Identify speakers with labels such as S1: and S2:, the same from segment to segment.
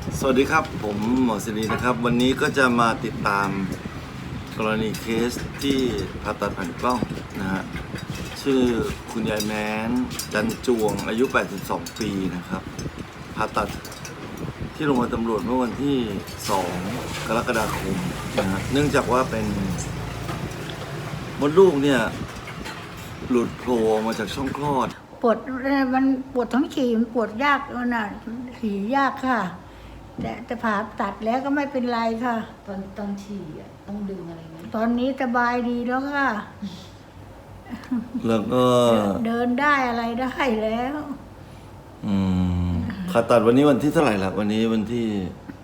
S1: สวัสดีครับผมหมอศิรินะครับวันนี้ก็จะมาติดตามกรณีเคสที่ผ่าตัดแผ่นกล้องนะฮะชื่อคุณยายแม้นจันจวงอายุ 82 ปีนะครับผ่าตัดที่โรงพยาบาลตำรวจเมื่อวันที่ 2 กรกฎาคมนะฮะเนื่องจากว่าเป็นมดลูกเนี่ยหลุดโผล่ออกมาจากช่องคลอด
S2: ปวดมันปวดท้องฉี่มันปวดยากน่ะฉี่ยากค่ะแต่ผ่าตัดแล้วก็ไม่เป็นไรค่ะ
S3: ตอนฉี่ต้องดึงอะไรไหม
S2: ตอนนี้สบายดีแล้วค่ะ
S1: แล้วก็
S2: เดินได้อะไรได้แล้ว
S1: ผ่าตัดวันนี้วันที่เท่าไหร่ล่ะวันนี้วันที่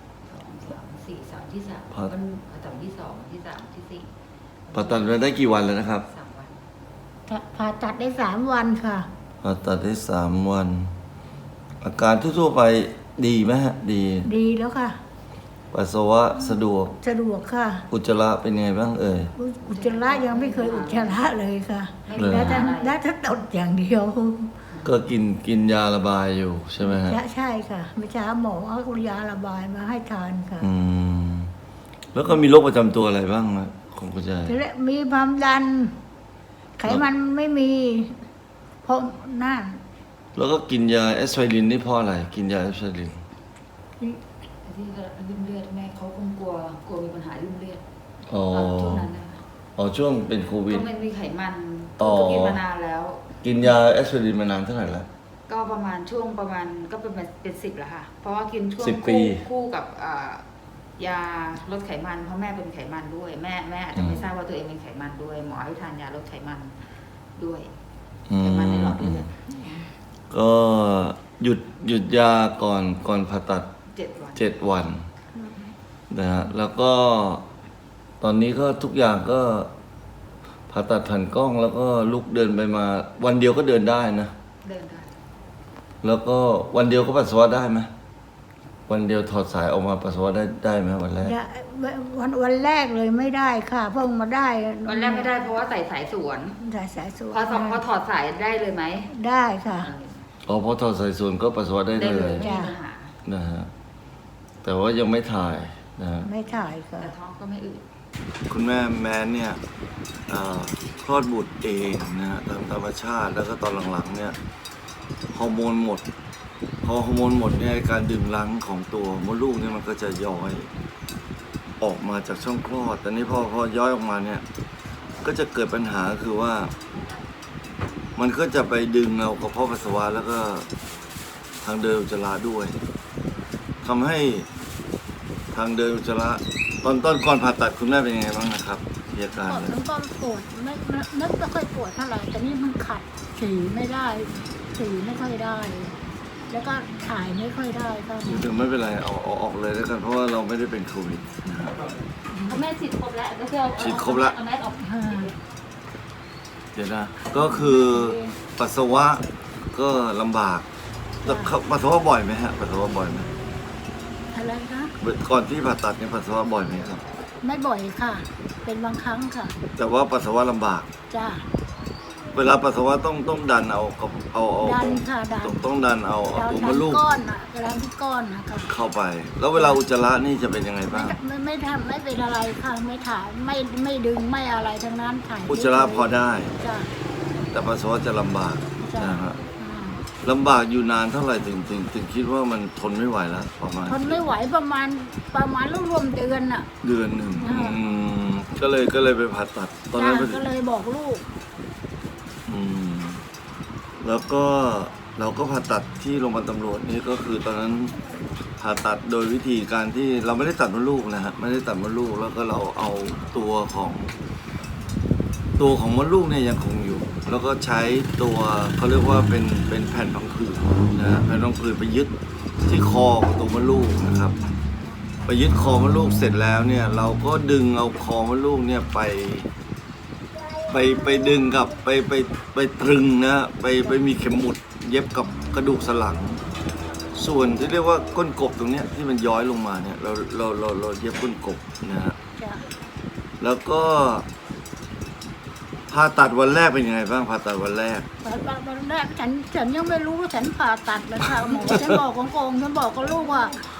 S3: 3 ที่ 3ผ่าตัดที่ 2 ที่ 3 ที่ 4
S1: ผ่าตัดมาได้กี่วันแล้วนะครับ
S3: 3 วัน
S2: ผ่าตัดได้3 วันค่ะ
S1: ผ่าตัดได้3 วันอาการทั่วๆไปดีไหมฮะดี
S2: แล้วค่ะ
S1: ปัสสาวะสะดวก
S2: ค่ะ
S1: อุจจาระเป็นไงบ้าง
S2: อุจจาระยังไม่เคยอุจจาระเลยค่ะแล้วถ้าตดอย่างเดียว
S1: ก็กินยาระบายอยู่ใช่ไหมฮะ
S2: ใช่ค่ะเมื่อเช้าหมอเอายาระบายมาให้ทานค่ะ
S1: แล้วก็มีโรคประจำตัวอะไรบ้างของคุณยาย
S2: มีความดันไขมันไม่มีเพราะนั่น
S1: แล้วก็กินยาแอสไพรินนี่เพราะอะไรกินยาแอสไพริน
S3: ที่ริ่มเลือดแม่เขาคงกลัวมีปัญหาริ่มเลือดช่วงนั้นนะคะ
S1: ช่วงเป็นโควิด
S3: ก็มันมีไขมันก็กินมานานแล้ว
S1: กินยาแอสไพรินมานานเท่าไหร่แล้ว
S3: ก็ประมาณก็เป็น10แล้วค่ะเพราะว่ากินช่วงคู่กับยาลดไขมันเพราะแม่เป็นไขมันด้วยแม่อาจจะไม่ทราบว่าตัวเองเป็นไขมันด้วยหมอให้ทานยาลดไขมันด้วยไขมันในหลอดเลือด
S1: ก็หยุดยาก่อนผ่าตัด7 วันนะฮะแล้วก็ตอนนี้ก็ทุกอย่างก็ผ่าตัดแผ่นกล้องแล้วก็ลุกเดินไปมาวันเดียวก็เดินได้นะ
S3: เดินได้
S1: แล้วก็วันเดียวก็ปัสสาวะได้ไหมวันเดียวถอดสายออกมาปัสสาวะได้ไหมวันแรก
S2: วันแรกเลยไม่ได้ค่ะเพิ่งมาได้
S3: วันแรกไม่ได้เพราะว่าใส่สายสวนพอถอดสายได้เลยไหม
S2: ได้ค่ะ
S1: พอถอดสายสวนก็ปัสสาวะได้เลยนะฮะแต่ว่ายังไม่ถ่ายนะ
S2: ไม่ถ่ายค่ะ
S3: แต่ท้องก็ไม่อืด
S1: คุณแม่แม้นเนี่ยคลอดบุตรเองนะฮะตามธรรมชาติแล้วก็ตอนหลังๆเนี่ยฮอร์โมนหมดพอฮอร์โมนหมดเนี่ยการดึงรั้งของตัวมดลูกเนี่ยมันก็จะย้อยออกมาจากช่องคลอดแต่นี้พอย้อยออกมาเนี่ยก็จะเกิดปัญหาคือว่ามันก็จะไปดึงเอากระเพาะปัสสาวะแล้วก็ทางเดินอุจจาระด้วยทำให้ทางเดินอุจจาระตอนก่อนผ่าตัดคุณแม่เป็นยังไงบ้างนะครับอาการ
S2: มันก็ปวดไม่ค่อยปวดเท่าไหร่แต่นี่มันขัดฉี่ไม่ได้ฉี่ไม่ค่อยได้แล้วก็ถ่ายไม่ค่อยได้ก็
S1: ถึงไม่เป็นไรเอาออกเลยแล้วกันเพราะว่าเราไม่ได้เป็นโควิดนะครับ
S3: แม่ฉีดครบแล้วก็คือ
S1: ฉีดครบแล้ว
S3: เอาแม่ออก
S1: เดี๋ยวนะก็คือปัสสาวะก็ลำบากปัสสาวะบ่อยไหมฮะปัสสาวะบ่อยไหม
S2: อะไรคะ
S1: ก่อนที่ผ่าตัดเนี่ยปัสสาวะบ่อยไหมครับ
S2: ไม่บ่อยค่ะเป็นบางครั้งค่ะ
S1: แต่ว่าปัสสาวะลำบาก
S2: จ้า
S1: เวลาปัสสาวะต้องดันเอา
S2: ดันค่ะดัน
S1: ต้องดันเอาตัวมดลูก
S2: ก้อนอ่ะดันที่ก้อนนะคะ
S1: เข้าไปแล้วเวลาอุจจาระนี่จะเป็นยังไงบ้าง
S2: ไม่เป็นอะไรค่ะไม่ถ่ายไม่ดึงไม่อะไรทั้งนั้นถ่าย
S1: อุจจาระพอได้
S2: จ้า
S1: แต่ปัสสาวะจะลำบากนะฮะลำบากอยู่นานเท่าไหร่ถึงคิดว่ามันทนไม่ไหวแล้วประมาณ
S2: ทนไม่ไหวประมาณรวมเดือนอ่ะ
S1: เดือนหนึ่งก็เลยไปผ่าตัด
S2: ตอนนั้นก็เลยบอกลูก
S1: แล้วก็เราก็ผ่าตัดที่โรงพยาบาลตำรวจนี่ก็คือตอนนั้นผ่าตัดโดยวิธีการที่เราไม่ได้ตัดมดลูกนะฮะไม่ได้ตัดมดลูกแล้วก็เราเอาตัวของมดลูกเนี่ยยังคงอยู่แล้วก็ใช้ตัวเขาเรียกว่าเป็นแผ่นพังผืดนะแผ่นพังผืดไปยึดที่คอของตัวมดลูกนะครับไปยึดคอมดลูกเสร็จแล้วเนี่ยเราก็ดึงเอาคอมดลูกเนี่ยไปดึงกับไปตรึงนะไปมีเข็มหมุดเย็บกับกระดูกสันหลังส่วนที่เรียกว่าก้นกบตรงเนี้ยที่มันย้อยลงมาเนี่ยเราเย็บก้นกบนะฮะแล้วก็ผ่าตัดวันแรกเป็นยังไงบ้างผ่าตัดวันแรก
S2: ฉันยังไม่รู้ว่าฉันผ่าตัดเลยค่ะหมอฉันบอกของฉันบอกกับลูกว่า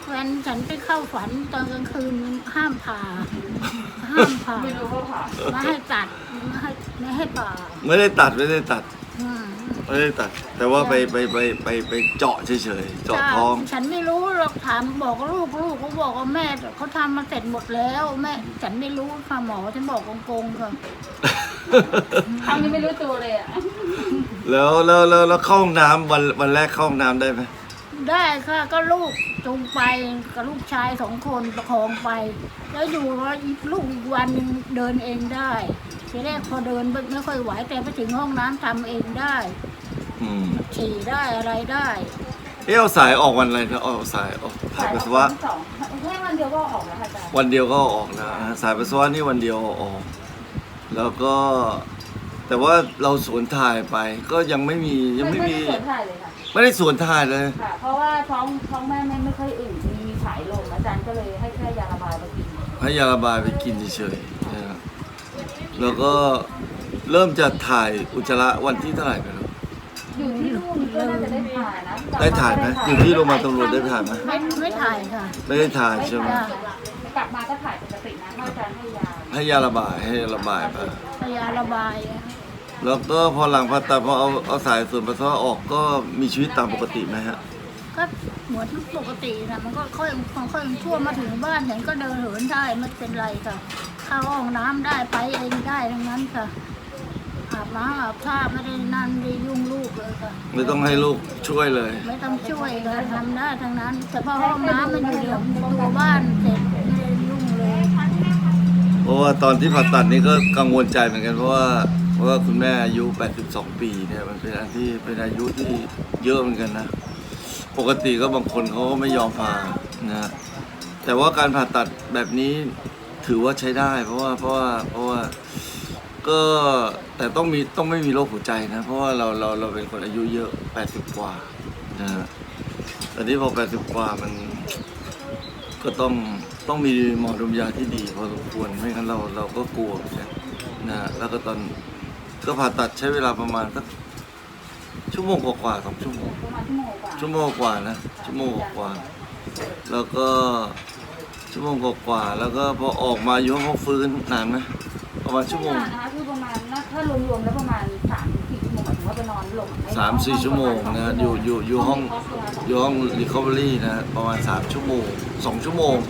S2: แฟนฉันไปเข้าฝันตอนกลางคืนห้ามผ่า
S3: ไม่รู้ว่าผ่า
S2: ไม่ให้ตัดไม่ให้ผ่า
S1: ไม่ได้ตัด
S2: อืม
S1: ไม่ได้ตัด แต่ว่าไปเจาะเฉยๆเจาะท้อง
S2: ฉันไม่รู้หรอกถามบอกลูกเขาบอกว่าแม่เขาทำมาเสร็จหมดแล้วแม่ฉันไม่รู้ค่ะหมอฉันบอกโกงๆค่ะ
S3: ครั้งนี้ไม่รู้ตัวเลยอ่ะ
S1: แล้วเข้าห้องน้ำวันแรกเข้าห้องน้ำได้ไหม
S2: ได้ค่ะก็ลูกจูงไปกับลูกชาย2 คนประคองไป แล้วอยู่ว่าลูกอีกวันหนึงเดินเองได้ทีแรกพอเดินไม่ค่อยไหวแต่ไปถึงห้องน้ำทำเองได้
S1: อืม
S2: ฉี่ได้อะไรได้
S1: เอาสายออกวันอะไรนะเอาสายออกถ่ายปัสสาวะ
S3: สองแค่วันเดียวก็ออกแล้วค่ะอาจารย์
S1: วันเดียวก็ออกนะสายปัสสาวะนี่วันเดียวออก แล้วก็ แต่ว่าเราสวนถ่ายไป ก็ยังไม่มี
S3: ไม่ได้สวนถ่ายเลยค่ะ
S1: ไม่ได้สวนถ่ายเลย
S3: ค่ะ เพราะว่าท้องแม่ไม่ค่อยอืดมีสายลมอาจารย์ก็เลยให้แค่ยาระบายมากิน
S1: ให้ยาระบายไปกินเฉยๆนะครับแล้วก็เริ่มจะถ่ายอุจจาระวันที่เท่าไหร่กัน
S3: อยู่ที่นู่นก็น่าจะได้ถ่ายนะ
S1: ได้ถ่ายไหมอยู่ที่โรงพยาบาลตำรวจได้ถ่ายไหม
S2: ไม่ถ่ายค่ะ
S1: ไม่ได้ถ่ายใช่ไหม
S2: จ้ะ
S3: กลับมาก็ถ่ายปกตินะอาจารย์ให้ยา
S1: ให้ยาระบายให้ระบายไป
S2: ยาระบายอะ
S1: แล้วก็พอหลังผ่าตัดพอเอาสายส่วนปัสสาวะออกก็มีชีวิตตามปกติไหมฮะ
S2: ก็เหมือนปกตินะมันก็ค่อยชั่วมาถึงบ้านฉันก็เดินเหินได้ไม่เป็นไรค่ะเข้าห้องน้ำได้ไปเองได้ทั้งนั้นค่ะอาบน้ำอาบท่าไม่ได้นั่นได้ยุ่งลูกเลยค่ะ
S1: ไม่ต้องให้ลูกช่วยเลย
S2: ไม่ต้องช่วยค่ะทำได้ทั้งนั้นแต่พอห้องน้ำมันอยู่ในตัวบ้านเสร็จไม่ได้ยุ่งเลย
S1: เพราะว่าตอนที่ผ่าตัดนี่ก็กังวลใจเหมือนกันเพราะว่าคุณแม่อายุ 82 ปีเนี่ยมันเป็นอายุที่เยอะเหมือนกันนะ ปกติก็บางคนเขาก็ไม่ยอมผ่านะฮะแต่ว่าการผ่าตัดแบบนี้ถือว่าใช้ได้ เพราะว่าก็แต่ต้องไม่มีโรคหัวใจนะ เพราะว่าเราเป็นคนอายุเยอะ 80 กว่านะฮะแต่นี้พอ 80 กว่ามันก็ต้องมีหมอดมยาที่ดีพอสมควรไม่งั้นเราก็กลัวนะฮะแล้วก็ก็ผ่าตัดใช้เวลาประมาณสักชั่วโมงกว่าๆ2 ชั่วโมง
S3: ประมาณชั่วโมงกว่า
S1: ชั่วโมงกว่านะชั่วโมงกว่าแล้วก็ชั่วโมงกว่าแล้วก็พอออกมาอยู่ห้องฟื้นนานไหมประมาณชั่วโมง
S3: นะคะคือประมาณถ้ารวมๆแล้วประมาณ3-4 ชั่วโมงหมายถึงว่าไปนอนหลง
S1: 3-4 ชั่วโมงนะอยู่ห้องรีคอเวอรี่นะประมาณ3 ชั่วโมง2 ชั่วโมง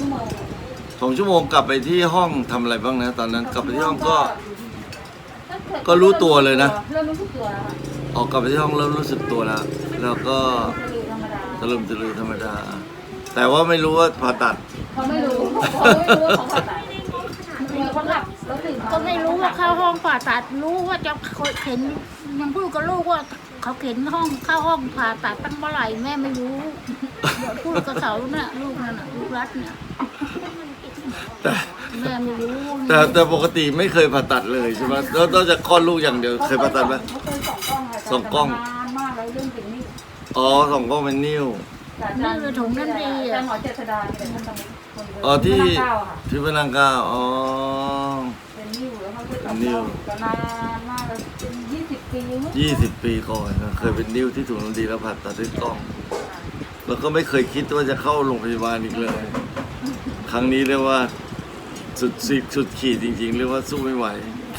S1: 2 ชั่วโมงกลับไปที่ห้องทำอะไรบ้างนะตอนนั้นกลับไปที่ห้องก็รู้ตัวเลยนะ
S3: เริ่มรู้สึกตัวแล้วค่ะ
S1: ออกกลับไปที่ห้องเริ่มรู้สึกตัวแล้วแล้วก็
S3: ธรรมดา
S1: ตะลึมธรรมดา แต่ว่าไม่รู้ว่าผ่าตัด
S3: เขาไม่รู้ว่าเขาผ่าตัดเขาหลับแล้วตื่นมา
S2: ก็ไม่รู้ว่าเข้าห้องผ่าตัดรู้ว่าจะเข็นยังพูดกับลูกว่าเขาเข็นเข้าห้องผ่าตัดตั้งเมื่อไหร่แม่ไม่รู้เดี๋ยวพูดกับเขาเนี่ยลูกนั่นน่ะลูกรัดเนี่ย
S1: แต่
S2: แม่ไม่รู้
S1: แต่ปกติไม่เคยผ่าตัดเลยใช่ไหมแล้วนอกจากคลอดลูกอย่างเดียวเคยผ่าตัดไหม
S3: เขาเคย2 กล้องค่ะ
S1: สองกล้อง
S3: นานมากแล้วเรื่องจริงนี่
S1: อ๋อ2 กล้องเป็นนิ้ว
S2: นี่คือถุงนั่นดี
S3: อาจาร
S2: อ่ะ
S3: ย์หมอเจษฎาเป็นท่านตำรวจคนเดิม
S1: อ๋อที่
S3: พระรามเก้าค่ะ
S1: ที่พระนางเก้าอ๋อ
S3: เป็นนิ้วแล้วเขาเคย
S1: เป็นนิ้ว
S3: แต่นานมากแล้วเป็น20 ปีมั้ง
S1: 20 ปีก่อนนะเคยเป็นนิ้วที่ถูกน้ำดีแล้วผ่าตัดด้วยกล้อง แล้วก็ไม่เคยคิดว่าจะเข้าโรงพยาบาลอีกเลย ครั้งนี้เรียกว่าสุดขีดจริงๆเรียกว่าสู้ไม่ไหว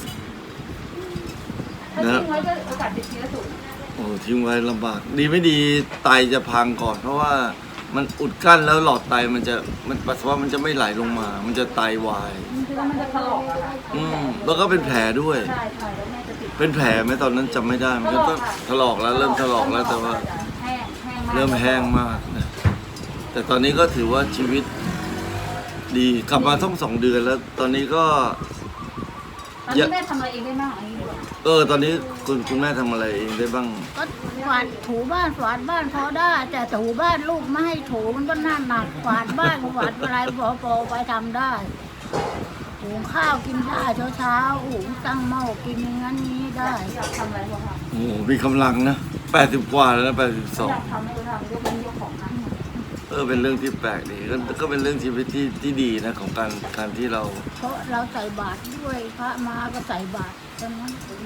S3: ถ้าทิ้งไว้ก็โอกาสติดเชื้อสูง
S1: โอ้ทิ้งไว้ลำบาก ดีไม่ดีไตจะพังก่อน เพราะว่ามันอุดกั้นแล้วหลอดไตมันปัสสาวะมันจะไม่ไหลลงมา มันจะไตวาย
S3: คือว่ามันจะถลอกอะค่ะ
S1: แล้วก็เป็นแผลด้วย
S3: ใช่ใช่แล้วแม่จะติด
S1: เป็นแผลไหมตอนนั้นจำไม่ได้มันก็ต้องถลอกแล้วเริ่มถลอกแล้วแต่ว่า
S3: แห้งมาก
S1: เริ่มแห้งมากนะแต่ตอนนี้ก็ถือว่าชีวิตดีกลับมาต้อง2 เดือนแล้ว ตอนนี้ก็
S3: ตอนนี้แม่ทำอะไรเองได้บ้างอันนี้ดีกว่า
S1: ตอนนี้คุณแม่ทำอะไรเองได้บ้าง
S2: ก็กวาดถูบ้านกวาดบ้านพอได้แต่ถูบ้านลูกไม่ให้ถูมันก็น่าหนักกวาดบ้านกวาดอะไรพอไปทำได้หุงข้าวกินได้เช้าหุงตั้งหม้อกินอย่างนั้นนี้ได้
S3: อยากทำอะไรก็ทำ
S1: โอ้โหมีกำลังนะ80 กว่าแล้วนะ
S3: อยากทำไม่ก็ทำยกเป็นยกของนั่ง
S1: เป็นเรื่องที่แปลกดีก็เป็นเรื่องชีวิตที่ดีนะของการที่เรา
S2: เพราะเราใส่บาตรด้วยพระมาก็ใส่บาตรฉะนั้น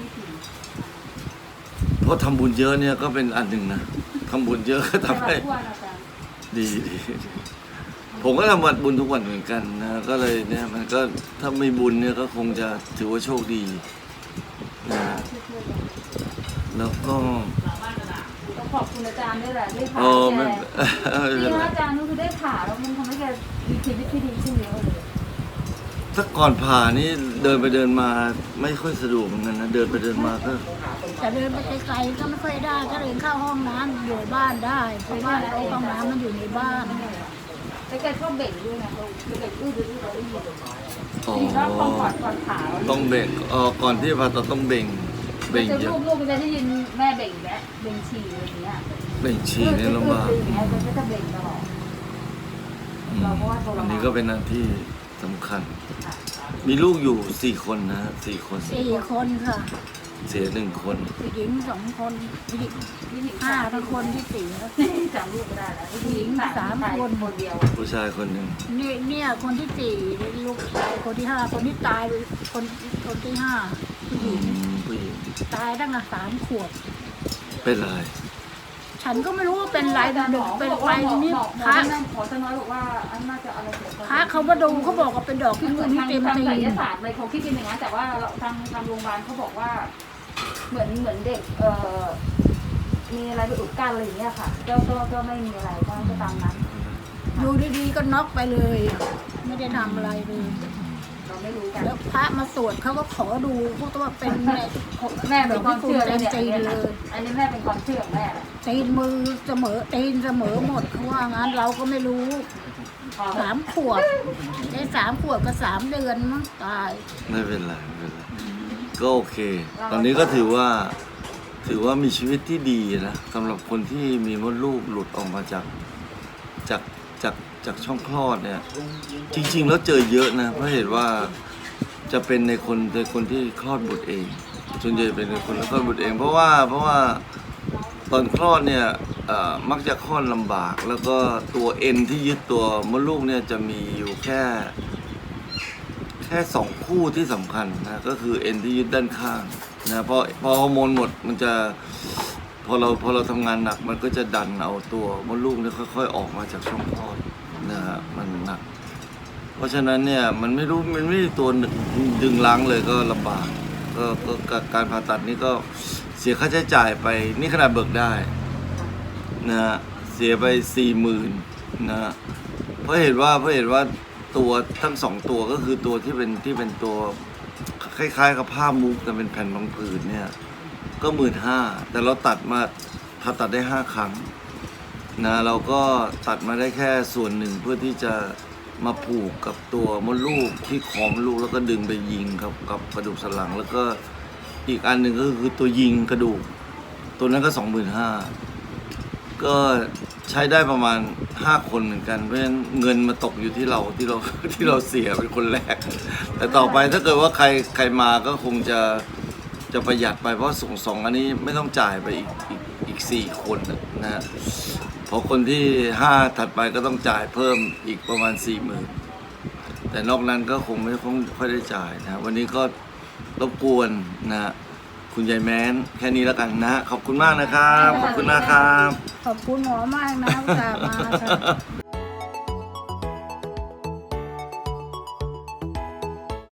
S1: เพราะทำบุญเยอะเนี่ยก็เป็นอันหนึ่งนะทำบุญเยอะก็ทำให้
S3: ทั่วนะจ๊ะ
S1: ดีผมก็ทำวัดบุญทุกวันเหมือนกันนะก็เลยเนี่ยมันก็ถ้าไม่บุญเนี่ยก็คงจะถือว่าโชคดีนะแล้วก็
S3: ต้องขอบคุณอาจารย์ด้วยแหละได้ผ่า
S1: ไม่
S3: แก
S1: เป็น
S3: นี่
S1: ไร
S3: อาจารย์ก็คือได้ผ่าแล้วมันทำให้แกมีชีวิตที่ดีขึ้นเยอะเลย
S1: ถ้าก่อนผ่านี่เดินไปเดินมาไม่ค่อยสะดวกเหมือนกันนะเดินไปเดินมาก็
S2: แต่เดินไปไกลๆก็ไม่ค่อยได้ก็เดินเข้าห้องน้ำอยู่บ้านได้เพราะว่าห้องน้ำมันอยู่ในบ้าน
S3: แล้วแกชอบเบ่งด้วยนะแกอื้อดื้อเราได้ยิน
S1: อ๋อ
S3: ชอบก่อนผ่า
S1: ต้องเบ่งก่อนที่ผ่าตัดต้องเบ่ง
S3: เบ่
S1: เบ่
S3: ง
S1: ง
S3: จะ
S1: เยอะ
S3: ลูกๆจะได้ยินแม่เบ่งแล้วเบ่งฉี่อะไรอย่างเงี้ย
S1: เบ่งฉี่เนี่ยลำบาก
S3: อย่างเงี้ยก็จะเบ่งตลอด เราก็ว่าทรมาน
S1: อันนี้ก็เป็นหน้าที่สำคัญ มีลูกอยู่4 คนนะ4 คน
S2: 4 คนค่ะ
S1: เสีย1 คน
S2: ผู้หญิง2 คนผู้หญิง5ทั้งคนที่เสีย
S3: จำลูกไม่ได้แล้วผู้หญิงสามคนคนเดียว
S1: ผู้ชายคนหนึ่ง
S2: เนี่ยคนที่4ลูกชายคนที่5คนที่ตายคนที่5ผู้หญิง
S1: ผู้หญิง
S2: ตายตั้งแต่3 ขวบ
S1: เป็นไร
S2: ฉันก็ไม่รู้ว่าเป็นไรแต่เด็กเป็นไรนี่
S3: พ
S2: พระ
S3: ขอจะน้อยบอกว่าอันน่าจะอะไร
S2: พระเขามาดูเขาบอกว่าเป็นดอกพิ
S3: เหมื
S2: กุ
S3: อน
S2: ลที่
S3: ทาง
S2: เต็ม
S3: ทาง
S2: ตี
S3: ไสย
S2: น
S3: ศาสตร์อะไรเขาคิดเป็นอย่างนั้นแต่ว่าทางโรงพยาบาลเขาบอกว่า เหมือนเด็กมีอะไรไปอุดกั้นอะไรอย่างเงี้ยค่ะก็ไม่มีอะไรก็ตามนั้น
S2: อยู่ดีๆก็น็อกไปเลยอะไม่ได้ทำอะไรเลย
S3: เราไม่รู้กัน
S2: แล้วพระมาสวดเขาก็ขอดูพวกตัวเป็นแม่
S3: แม่เป็นความเชื่อ
S2: เต็ม
S3: เนี่ย
S2: ตีนเลย
S3: อันนี้แม่เป็นความเชื่อของแม่แหละ
S2: ตีนมือเสมอตีนเสมอหมดเขาว่างั้นเราก็ไม่รู้3 ขวบได้3 ขวบกับ3 เดือนมั้งตาย
S1: ไม่เป็นไรไม่เป็นไรก็โอเค ตอนนี้ก็ถือว่ามีชีวิตที่ดีนะสำหรับคนที่มีมดลูกหลุดออกมาจากช่องคลอดเนี่ย จริงๆแล้วเจอเยอะนะเพราะเหตุว่าจะเป็นในคนที่คลอดบุตรเองส่วนใหญ่เป็นในคนที่คลอดบุตรเอง เพราะว่าตอนคลอดเนี่ยมักจะคลอดลำบาก แล้วก็ตัวเอ็นที่ยึดตัวมดลูกเนี่ยจะมีอยู่แค่2 คู่ที่สำคัญนะก็คือเอ็นที่ยึดด้านข้างนะพอฮอร์โมนหมดมันจะพอเราทำงานหนักมันก็จะดันเอาตัวมดลูกเนี่ยค่อยๆออกมาจากช่องคลอดนะฮะมันหนัก เพราะฉะนั้นเนี่ยมันไม่มีตัวดึงล้างเลยก็ลำบากก็การผ่าตัดนี่ก็เสียค่าใช้จ่ายไปนี่ขนาดเบิกได้นะฮะเสียไป40,000นะฮะเพราะเห็นว่าตัวทั้ง2 ตัวก็คือตัวที่เป็นตัวคล้ายๆกับผ้ามุกแต่เป็นแผ่นรองผืนเนี่ยก็15,000แต่เราผ่าตัดได้5 ครั้งนะเราก็ตัดมาได้แค่ส่วนหนึ่งเพื่อที่จะมาผูกกับตัวมดลูกที่คอมดลูกแล้วก็ดึงไปยิงกับกระดูกสันหลังแล้วก็อีกอันหนึ่งก็คือตัวยิงกระดูกตัวนั้นก็25,000ก็ใช้ได้ประมาณ5 คนเหมือนกันเพราะฉะนั้นเงินมาตกอยู่ที่เราเสียเป็นคนแรกแต่ต่อไปถ้าเกิดว่าใครมาก็คงจะประหยัดไปเพราะส่งอันนี้ไม่ต้องจ่ายไปอีก4 คนนะฮะพอคนที่5ถัดไปก็ต้องจ่ายเพิ่มอีกประมาณ 40,000แต่นอกนั้นก็คงไม่ค่อยได้จ่ายนะวันนี้ก็รบกวนนะคุณยายแม้นแค่นี้แล้วกันนะขอบคุณมากนะครับขอบคุณนะครับ
S2: ขอบคุณหมอมากนะอุตส่าห์มาค่ะ